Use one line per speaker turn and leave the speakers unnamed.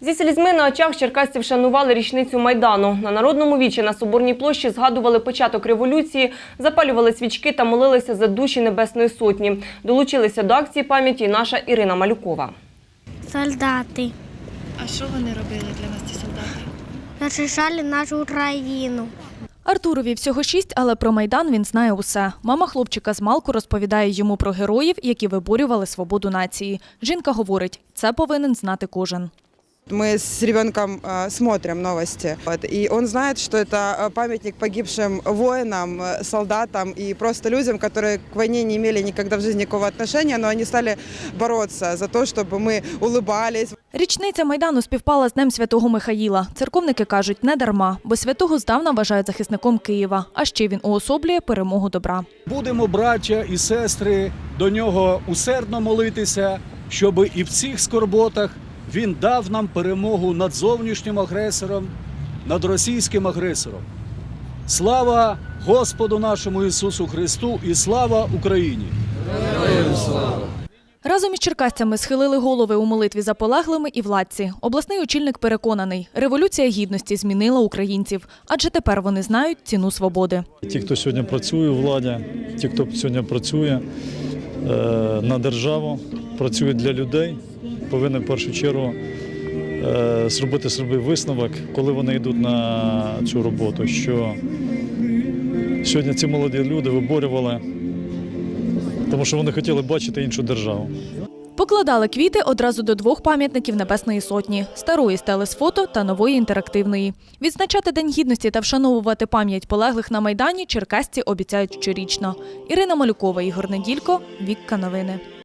Зі слізьми на очах черкасці вшанували річницю Майдану. На Народному вічі на Соборній площі згадували початок революції, запалювали свічки та молилися за душі Небесної Сотні. Долучилися до акції пам'яті і наша Ірина Малюкова.
Солдати.
А що вони робили для нас, ці солдати?
Захищали нашу країну.
Артурові всього 6, але про Майдан він знає усе. Мама хлопчика змалку розповідає йому про героїв, які виборювали свободу нації. Жінка говорить, це повинен знати кожен.
Мы с ребенком смотрим новости, и он знает, что это памятник погибшим воинам, солдатам и просто людям, которые к войне не имели никогда в жизни никакого отношения, но они стали бороться за то, чтобы мы улыбались.
Річниця Майдану співпала з Днем Святого Михаїла. Церковники кажуть, не дарма, бо святого здавна вважають захисником Києва, а ще він уособлює перемогу добра.
Будемо, браття і сестри, до нього усердно молитися, щоб і в цих скорботах він дав нам перемогу над зовнішнім агресором, над російським агресором. Слава Господу нашому Ісусу Христу і слава Україні! Героям слава!
Разом із черкасцями схилили голови у молитві за полеглими і владці. Обласний очільник переконаний, Революція Гідності змінила українців, адже тепер вони знають ціну свободи.
Ті, хто сьогодні працює у владі, ті, хто сьогодні працює на державу, працює для людей, повинні в першу чергу зробити собі висновок, коли вони йдуть на цю роботу, що сьогодні ці молоді люди виборювали, тому що вони хотіли бачити іншу державу.
Покладали квіти одразу до 2 пам'ятників Небесної Сотні – старої стели з фото та нової інтерактивної. Відзначати День Гідності та вшановувати пам'ять полеглих на Майдані черкасці обіцяють щорічно. Ірина Малюкова, Ігор Неділько, Вікка Новини.